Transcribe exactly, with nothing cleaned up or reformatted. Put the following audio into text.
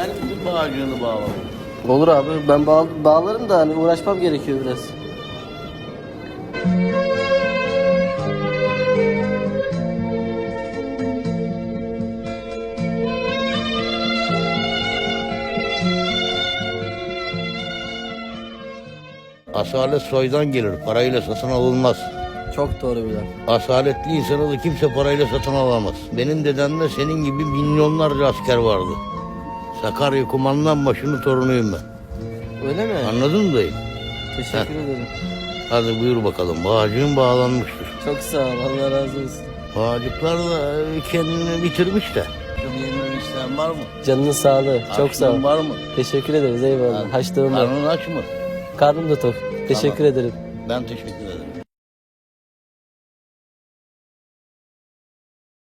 Yani bütün bağcığını bağladım. Olur abi, ben bağ, bağlarım da hani uğraşmam gerekiyor biraz. Asalet soydan gelir, parayla satın alınmaz. Çok doğru bir laf. Asaletli insanı da kimse parayla satın alamaz. Benim dedemde senin gibi milyonlarca asker vardı. Sakarya Kumandanbaşı'nın torunuyum ben. Öyle mi? Anladın mı dayı? Teşekkür Heh. ederim. Hadi buyur bakalım. Bağcığın bağlanmıştır. Çok sağ ol, Allah razı olsun. Bağcıklar da kendini bitirmiş de. Yemeğin isteyen var mı? Canının sağlığı, çok sağ ol. Açlığın var mı? Teşekkür ederiz, eyvallah. Haçlığım var. Karnın aç mı? Karnım da tok. Teşekkür ederim. Ben teşekkür ederim.